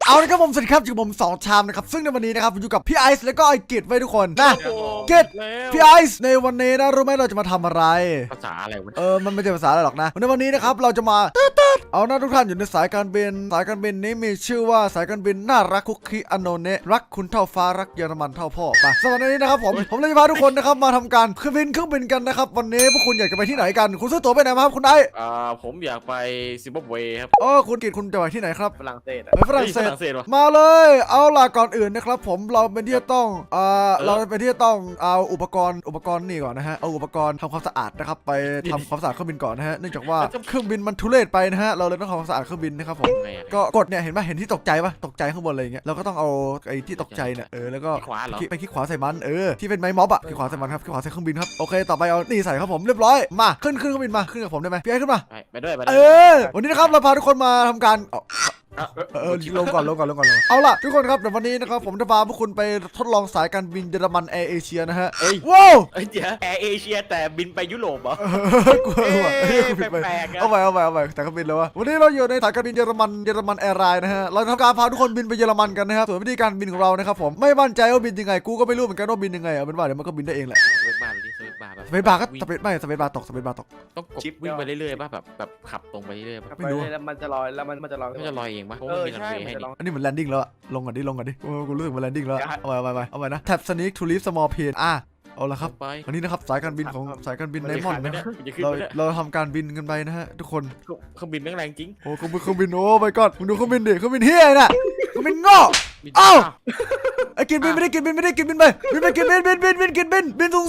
เอาละครับผมสวัสดีครับอยู่กับผม2ชามนะครับซึ่งในวันนี้นะครับผมอยู่กับพี่ไอซ์แล้วก็ไอกิจไว้ทุกคนนะกิจพี่ไอซ์ในวันนี้นะรู้ไหมเราจะมาทำอะไรภาษาอะไรวะมันไม่ใช่ภาษาอะไรหรอกนะในวันนี้นะครับเราจะมาเอาหน้าทุกท่านอยู่ในสายการบินนี้มีชื่อว่าสายการบินน่ารักคุกคีอโนเนะรักคุณเท่าฟ้ารักเยอรมันเท่าพ่อไปสำหรับวันนี้นะครับผมเลยจะพาทุกคนนะครับมาทำการเครื่องบินกันนะครับวันนี้พวกคุณอยากจะไปที่ไหนกันคุณซื้อตั๋วไปไหนมาครับคุณไอซ์ผมอยากไปซิมบับเวครับคุณกิจคุณจะไปที่ไหนครับฝรั่งเศสไปฝรั่งเศสมาเลยเอาล่ะก่อนอื่นนะครับผมเราเป็นที่จะต้องเอาอุปกรณ์นี่ก่อนนะฮะเอาอุปกรณ์ทำความสะอาดนะครับไปทำความสะอาดเครื่องบินก่อนนะฮะเนื่องจากว่าเครื่องบินมันทุเรศไปนะฮะเราเลยต้องทำความสะอาดเครื่องบินนะครับผมก็กดเนี่ยเห็นไหมเห็นที่ตกใจปะตกใจข้างบนอะไรอย่างเงี้ยเราก็ต้องเอาไอ้ที่ตกใจเนี่ยแล้วก็ไปคลิกขวาใส่มันที่เป็นไม้ม็อบอะคลิกขวาใส่มันครับคลิกขวาใส่เครื่องบินครับโอเคต่อไปเอานี่ใส่ครับผมเรียบร้อยมาขึ้นเครื่องบินมาขึ้นกับผมได้ไหมพี่ไอ้ขึ้นมาไปด้วยวันนี้นะครับเราพาทุกคนมาทำการลงก่อนเอาล่ะทุกคนครับเดี๋ยววันนี้นะครับผมจะพาพวกคุณไปทดลองสายการบินเยอรมันแอร์เอเชียนะฮะว้าวเดี๋ยวแอร์เอเชียแต่บินไปยุโรปเหรอแปลกๆเอาไปแต่ก็บินแล้ววะวันนี้เราอยู่ในสายการบินเยอรมันแอร์ไลน์นะฮะเราทำการพาทุกคนบินไปเยอรมันกันนะครับส่วนวิธีการบินของเรานะครับผมไม่มั่นใจว่าบินยังไงกูก็ไม่รู้เหมือนกันว่าบินยังไงเอาเป็นว่าเดี๋ยวมันก็บินได้เองแหละสเปซบาร์ก็สเปซบาร์ตกต้องกดวิ่งไปเรื่อยๆป่ะแบบขับตรงไปเรื่อยๆไม่รู้แล้วมันจะลอยมันจะลอยเองป่ะใช่อันนี้เหมือนแลนดิ้งแล้วอะลงก่อนดิกูรู้สึกเหมือนแลนดิ้งแล้วเอาไปนะแท็บสนิกทูลิฟสมอลเพนเอาละครับวันนี้นะครับสายการบินไดมอนด์นะเราทำการบินกันไปนะฮะทุกคนเครื่องบินแรงจริงโอ้เครื่องบินโอ้ไปก่อนมึงดูเครื่องบินดิเครื่องบินเฮียน่ะเครื่องบินงอเอ้าไอ้กินบินไม่ได้กินบินไปกินบินสูง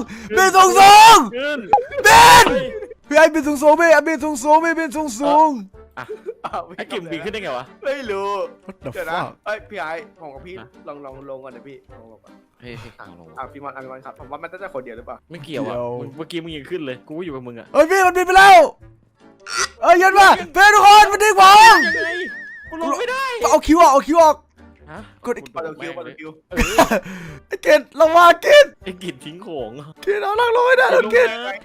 พี่ไอ้บินสูงไอ้กิมบินขึ้นได้ไงวะไม่รู้เดี๋ยวนะพี่ไอ้ผมกับพี่ลองลงก่อนนะพี่ลงก่อนพี่มันครับผมว่ามันจะคนเดียวหรือเปล่าไม่เกี่ยวอ่ะเมื่อกี้มึงยังขึ้นเลยกูอยู่กับมึงอ่ะพี่มันบินไปแล้วยันมาเพื่อนทุกคนมันดิ้งผมกูลงไม่ได้เอาคิวออกกดคิวไอ้เกดเราว่าเกดไอ้กิดทิ้งของเกดเอาล่างลงไม่ได้แล้วเกด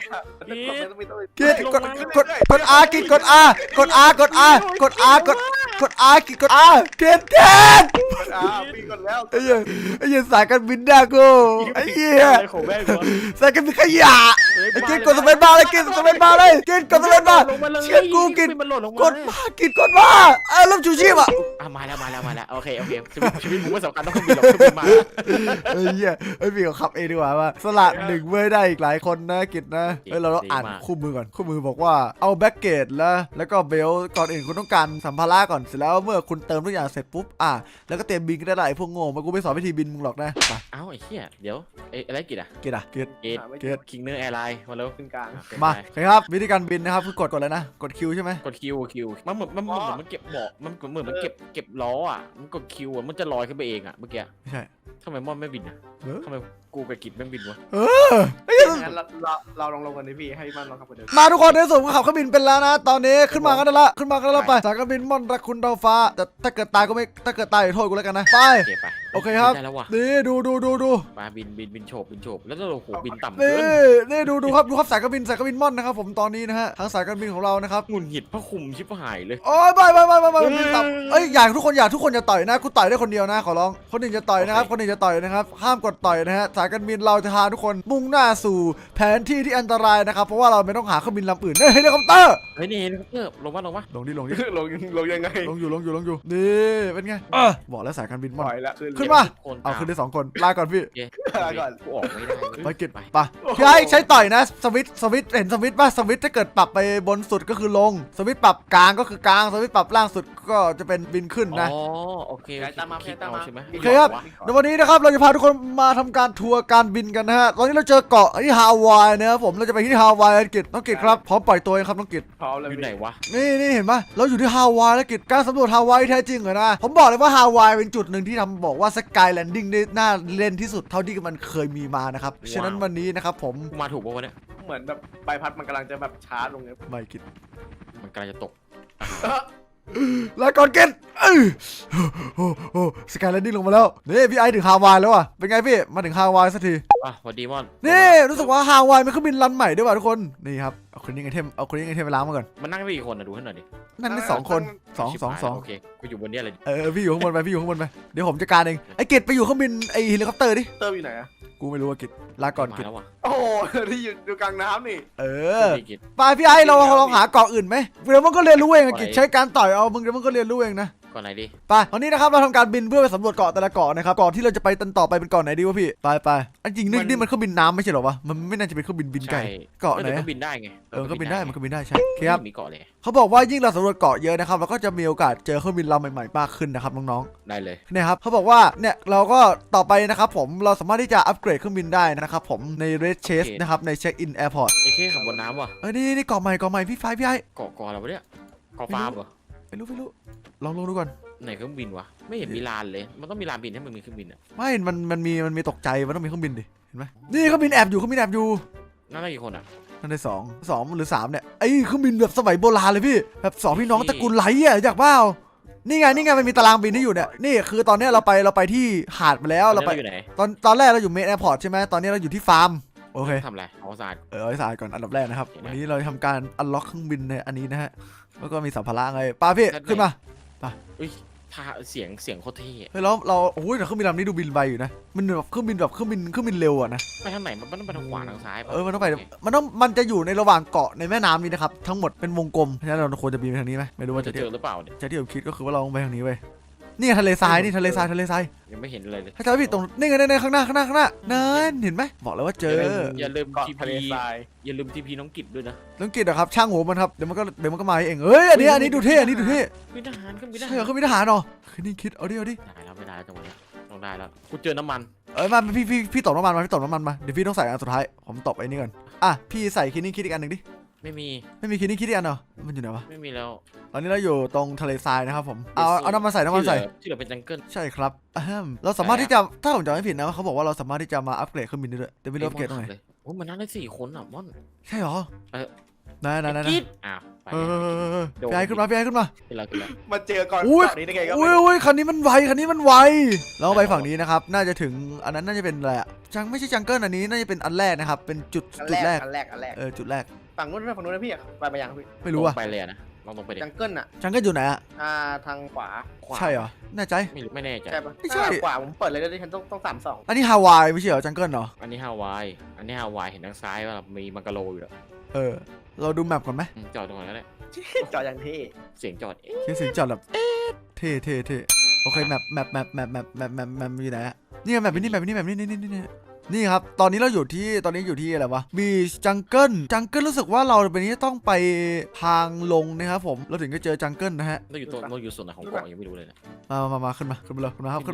กด R กิดกด R กด R เกดพี่กดแล้วไอ้เหี้ยสายการบินด่ากูไอ้เหี้ยสายการบินขยะไอ้เกดกดสเปซบาร์เลยเกดกดสเปซบาร์เชื่อกูเกดกดมาเริ่มชูชีพมาแล้วโอเคชีวิตมึงไม่สำคัญต้องบินหรอกบินมาพี่เขาขับเองดีกว่าว่าสละหนึ่งเว้ยได้อีกหลายคนนะกิจนะเราอ่านคู่มือก่อนคู่มือบอกว่าเอาแบ็กเกจแล้วก็เบลก่อนอื่นคุณต้องการสัมภาระก่อนเสร็จแล้วเมื่อคุณเติมทุกอย่างเสร็จปุ๊บแล้วก็เตรียมบินก็ได้ไอ้พวกโง่มากูไม่สอนวิธีบินมึงหรอกนะไอ้เหี้ยเดี๋ยวอะไรกิจคิงเนอร์แอร์ไลน์มาแล้วขึ้นกลางมาครับวิธีการบินนะครับคือกดเลยนะกดคิวใช่ไหมกดคิวมันเหมือนมันเก็บเบาะมันเหมือนมันเก็บล้อมันกดคิวมันจะลอยขึ้นไปเองเมื่อกี้ไม่ใช่ทำไมมอนไม่บินทำไมกูไปกินไม่บินวะงั้นเราลองกันดิพี่ให้มันลองขับกันเดิมมาทุกคนในส่วนของขับเครื่องบินเป็นแล้วนะตอนนี้ขึ้นมากันแล้วไปสายการบินม่อนรักคุณดาวฟ้าแต่ถ้าเกิดตายก็ไม่ถ้าเกิดตายโทษกูแล้วกันนะไปโอเคครับนี่ดูมาบินโฉบแล้วเราโหบินต่ำนี่ดูครับสายการบินม่อนนะครับผมตอนนี้นะฮะทางสายการบินของเรานะครับหงุดหงิดพระคุมชิบหายเลยโอ้ยไปบินต่ำอย่าทุกคนอย่าต่อยนะกูต่อยได้คนเดียวนะขอร้องคนอื่นจะต่อยนะครับห้ามกดต่อยนะฮะสายการบินเราจะพาทุกคนมุ่งหน้าสู่แผนที่ที่อันตรายนะครับเพราะว่าเราไม่ต้องหาเครื่องบินลำอื่นเฮลิคอปเตอร์นี่เฮลิคอปเตอร์ลงดิลงยังไงลงอยู่นี่เป็นไงบอกแล้วสายการบินมันขึ้นมาเอาขึ้นได้2คนลาก่อนพี่ลาก่อนกูออกไม่ได้ไปกินไปพี่ไอ้ใช้ต่อยนะสวิตเห็นสวิตป่ะสวิตถ้าเกิดปรับไปบนสุดก็คือลงสวิตปรับกลางก็คือกลางสวิตปรับล่างสุดก็จะเป็นบินขึ้นนะโอเคตามมาใช่ไหมโอเคครับในวันนี้นะครับเราจะพาทุกคนมาทำการทัวร์การบินกันนะฮะตอนนี้เราเจอเกาะที่ฮาวายนะครับผมเราจะไปที่ฮาวายกิจน้องกิจครับพร้อมปล่อยตัวครับน้องกิจพร้อมเลยอยู่ไหนวะนี่เห็นปะเราอยู่ที่ฮาวายแล้วกิจการสำรวจฮาวายแท้จริงเหรอนะผมบอกเลยว่าฮาวายเป็นจุดหนึ่งที่ทำบอกว่าสกายแลนดิ้งได้น่าเล่นที่สุดเท่าที่มันเคยมีมานะครับฉะนั้นวันนี้นะครับผมมาถูกป่าวเนี่ยเหมือนแบบใบพัดมันกำลังจะแบบช้าลงเลยไม่กิจมันกำลังจะตกลาก่อนเกตโอ้สกายแลนดิ้งลงมาแล้วนี่พี่ไอถึงฮาวายแล้วอ่ะเป็นไงพี่มาถึงฮาวายสักทีสวัสดีมอนนี่รู้สึกว่าฮาวายมันเครื่องบินรันใหม่ด้วยว่ะทุกคนนี่ครับเอาคนนี้ไอเทมไปล้างมาก่อนมันนั่งได้กี่คนดูให้หน่อยดินั่นได้2 คนสองโอเคกูอยู่บนนี้เลยพี่อยู่ข้างบนไปเดี๋ยวผมจัดการเองไอเกตไปอยู่เครื่องบินไอเฮลิคอปเตอร์ดิเติมอยู่ไหนอะกูไม่รู้ว่าเกตลาก่อนเกตแล้วว่ะโอ้โหที่อยู่กลางน้ำนี่ไปพี่ไอเราลองหาเกาะอื่นไหมเดี๋ยวมันก็เรียนรู้เองเกตใช้การต่อยเอามึงเดี๋ยวมันก็เรียนรู้เองนะก่อนไหนดิไปวันนี้นะครับเราทำการบินเพื่อไปสำรวจเกาะแต่ละเกาะนะครับเกาะที่เราจะไปต่อไปเป็นเกาะไหนดีวะพี่ไปอันจริงนี่มันเครื่องบินน้ำไม่ใช่หรอวะมันไม่น่าจะเป็นเครื่องบินไกลเกาะไหนก็บินได้ไงก็บินได้มันก็บินได้ใช่ครับมีเกาะเลยเขาบอกว่ายิ่งเราสำรวจเกาะเยอะนะครับเราก็จะมีโอกาสเจอเครื่องบินลำใหม่ๆมากขึ้นนะครับน้องๆได้เลยเนี่ยครับเขาบอกว่าเนี่ยเราก็ต่อไปนะครับผมเราสามารถที่จะอัปเกรดเครื่องบินได้นะครับผมใน Red Chase นะครับใน Check In Airport ไอ้แค่ขับบนน้ำว่ะนี่เกาะใหม่พี่ไฟพี่ไอเกาะอะไรวะเนี่ยเกาะฟาร์มเหรอไม่รู้ลองดูก่อนไหนเครื่องบินวะไม่เห็นมีลานเลยมันต้องมีลานบินให้มันมีเครื่องบินอ่ะไม่มันมีตกใจมันต้องมีเครื่องบินดิเห็นไหมนี่เครื่องบินแอบอยู่นั่นได้กี่คนอ่ะนั่นได้2หรือ3เนี่ยไอ้เครื่องบินแบบสมัยโบราณเลยพี่แบบ2พี่น้องตระกูลไหลอ่ะอยากเปล่านี่ไงมันมีตารางบินที่อยู่เนี่ยนี่คือตอนนี้เราไปที่หาดมาแล้วเราไปอยู่ไหนตอนแรกเราอยู่เมนแอร์พอร์ตใช่ไหมตอนนี้เราอยู่ที่ฟาร์มโอเคทำอะไรเอาสะอาดเอาให้สะอาดก่อนอันดับแรกนะครับวันนี้เราทำการอันล็อกเครื่องบินในอันนี้นะฮะแล้วก็มีสัมภาระไงป้าพี่ขึ้นมาถ้าเสียงโคตรเท่เฮ้ยเราโอ้ยแต่เครื่องบินลำนี้ดูบินไวอยู่นะมันแบบเครื่องบินเร็วอะนะไปทางไหนมันต้องไปทางขวาทางซ้ายมันจะอยู่ในระหว่างเกาะในแม่น้ำนี้นะครับทั้งหมดเป็นวงกลมเพราะฉะนั้นเราควรจะบินไปทางนี้ไหมไม่รู้ว่าจะเจอหรือเปล่าเนี่ยที่ผมคิดก็คือว่าเราต้องไปทางนี้เว้ยนี่ทะเลทรายทะเลทรายยังไม่เห็นเลยถ้าจะผิดตรงนี่ไงในข้างหน้านั่นเห็นไหมบอกแล้วว่าเจออย่าลืมเกาะทีทะเลพีทรายอย่าลืมทีพีน้องกิจด้วยนะต้องกินนะครับช่างหัวมันครับเดี๋ยวมันก็มาเองเอ้ยอันนี้ดูเท่บินทหารเครื่องบินทใช่หารเหรอเครื่องบินทหารเหรอคือนี่คิดเอาดิได้แล้วไม่ได้จังหวะนี้ต้องได้แล้วกูเจอน้ำมันมาพี่ตบน้ำมันมาเดี๋ยวพี่ต้องใส่อันสุดท้ายผมตบไอ้นี่ก่อนพี่ใส่คิดนี่คิดอีกอันหนึ่งดิไม่มีคิดนี่คิดอีกอันเหรอมันอยู่ไหนวะไม่มีแล้วตอนนี้เราอยู่ตรงทะเลทรายนะครับผมเอาน้ำมันใส่ที่เหลือเป็นจังเกิลใช่ครับเราสามารถที่จะถ้าผมจำไม่ผิดนะเขาบอกว่าเราสามารถที่จะมาอัปเกรดเครื่องบินได้ด้วยแต่ไม่รู้อัปเกรดตรงไหนโอ้มันนั่งได้4 คนอ่ะม่อนใช่เหรอไหนกิจอ้าวไปพี่ไอ้ขึ้นมากินแล้วมาเจอก่อนอุ้ยนี้ได้ไงก็อุ้ยคันนี้มันไวเราไปฝั่งนี้นะครับน่าจะถึงอันนั้นน่าจะเป็นอะไรอะไม่ใช่จังเกิลอันนี้น่าจะเป็นอันแรกนะครับเป็นจุดแรกอันแรกจุดแรกฝั่งนู้นนะพี่ไปยังพี่ไม่รู้อะไปเลยนะลองตรงไปดิจังเกิลอะจังเกิลอยู่ไหนอะทางขวาใช่เหรอแน่ใจไม่แน่ใจใช่ปะไม่ใช่ขวาผมเปิดเลยด้วยฉันต้อง32 อันนี้ฮาวายไม่ใช่เหรอจังเกิลเหรออันนี้ฮาวายเห็นทางซ้ายว่ามีมังกรโลอยู่แล้วเราดูแมปก่อนไหมจอดตรงไหนก็ได้จออย่างเท่เสียงจอดเสียงจอดแบบเท่โอเคแมปอยู่ไหนอะนี่แมปนี่ครับตอนนี้อยู่ที่อะไรวะมีจังเกิลรู้สึกว่าเราเป็นนี้ต้องไปทางลงนะครับผมเราถึงจะเจอจังเกิลนะฮะเราอยู่ส่วนไหนของเกาะยังไม่รู้เลยนะมาขึ้นมาเลยขึ้นมาครับ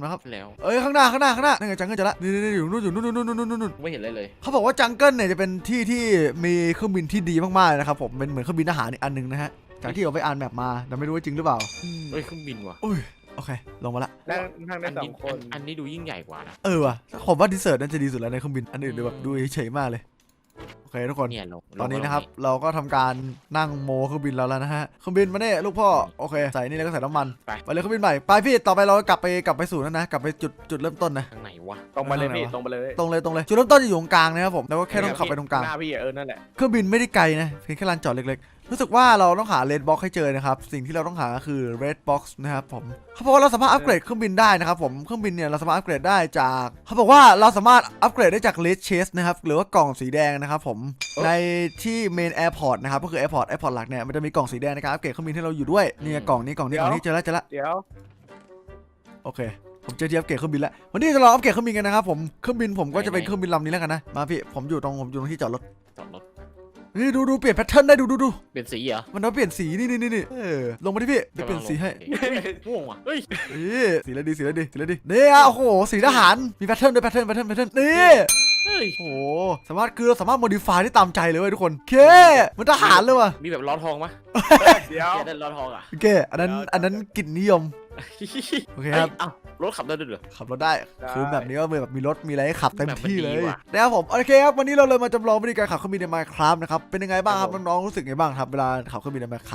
แล้วข้างหน้านั่นไงจังเกิลจะละนี่อยู่นู่นไม่เห็นเลยเขาบอกว่าจังเกิลเนี่ยจะเป็นที่ที่มีเครื่องบินที่ดีมากๆนะครับผมเป็นเหมือนเครื่องบินทหารอีกอันนึงนะฮะจากที่เราไปอ่านแมปมาแต่ไม่รู้ว่าจริงหรือเปล่าเฮ้ยเครื่องบินว่ะโอเคลงมาละนั่งได้2 คนอันนี้ดูยิ่งใหญ่กว่านะว่ะผมว่าดิเซอร์น่าจะดีสุดแล้วในเครื่องบินอันอื่นดูแบบดูเฉยๆมากเลยโอเคทุกคนตอนนี้นะครับเราก็ทำการนั่งโมเครื่องบินแล้วนะฮะเครื่องบินมาเนี่ยลูกพ่อโอเคใส่นี่แล้วก็ใส่น้ำมันไปเลยเครื่องบินใหม่ไปพี่ต่อไปเรากลับไปสู่นั่นนะกลับไปจุดเริ่มต้นนะทางไหนวะตรงไปเลยพี่ตรงไปเลยจุดเริ่มต้นจะอยู่ตรงกลางนะครับผมแล้วก็แค่ต้องขับไปตรงกลางหน้าพี่นั่นแหละเครื่องบินไม่ได้ไกลนะเพียงแค่ลานจอดเล็กๆรู้สึกว่าเราต้องหา Red Box ให้เจอนะครับสิ่งที่เราต้องหาคือ Red Box นะครับผมเขาบอกว่าเราสามารถอัปเกรดเครื่องบินได้นะครับผมเครื่องบินเนี่ยเราสามารถอัปเกรดได้จากเขาบอกว่าเราสามารถอัปเกรดได้จาก Red Chase นะครับหรือว่ากล่องสีแดงนะครับผมในที่ Main Airport นะครับก็คือ Airport หลักเนี่ยมันจะมีกล่องสีแดงในการอัปเกรดเครื่องบินที่เราอยู่ด้วยนี่กล่องนี้เจอแล้วเดี๋ยวโอเคผมเจอที่อัปเกรดเครื่องบินแล้ววันนี้จะลองอัปเกรดเครื่องบินกันนะครับผมเครื่องบินผมก็จะเป็นเครื่องบินลำนี้แล้วกันนะมาพี่ผมอยู่ตรงที่จอดรถนี่ดูเปลี่ยนแพทเทิร์นได้ดูเปลี่ยนสีเหรอมันต้องเปลี่ยนสีนี่ลงมาที่พี่เปลี่ยนสีให้ม่วงว่ะเฮ้ยสีอะไรดีนี่โอ้โหสีทหารมีแพทเทิร์นด้วยแพทเทิร์นนี่โอ้สามารถโมดิฟายได้ตามใจเลยเว้ยทุกคนเคมันทหารเลยว่ะมีแบบล้อทองไหมเดี๋ยวได้ล้อทองอ่ะโอเคอันนั้นกิจนิยมโอเคครับรถขับได้ด้วยเหรอขับรถได้คือแบบนี้ก็แบบมีรถมีอะไรให้ขับเต็มที่เลยนะครับผมโอเคครับวันนี้เราเลยมาจำลองวิธีการขับเครื่องบินใน Minecraft นะครับเป็นยังไงบ้างครับน้องๆรู้สึกไงบ้างครับเวลาขับเครื่องบินใน Minecraft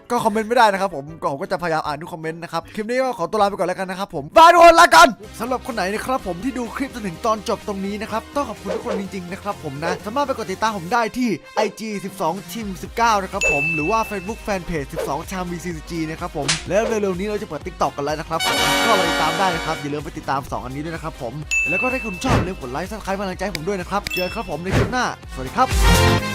ก็คอมเมนต์ไม่ได้นะครับผมก็จะพยายามอ่านทุกคอมเมนต์นะครับคลิปนี้ก็ขอตัวลาไปก่อนแล้วกันนะครับผมบายทุกคนลากันสำหรับคนไหนนะครับผมที่ดูคลิปจนถึงตอนจบตรงนี้นะครับต้องขอบคุณทุกคนจริงๆนะครับผมนะสามารถไปกดติดตามผมได้ที่ IG 12 Team 19นะครับผมหรือว่า Facebook Fanpage 12 Cham VCG นะครับผมแล้วเร็วๆนี้เราจะเปิด TikTok กันแล้วนะครับผมก็ไปติดตามได้นะครับอย่าลืมไปติดตาม2อันนี้ด้วยนะครับผมแล้วก็ถ้าคุณชอบอย่าลืมกดไลค์ Subscribe กำลังใจให้ผมด้วยนะครับเจอกันครับผมในคลิปหน้าสวัสดีครับ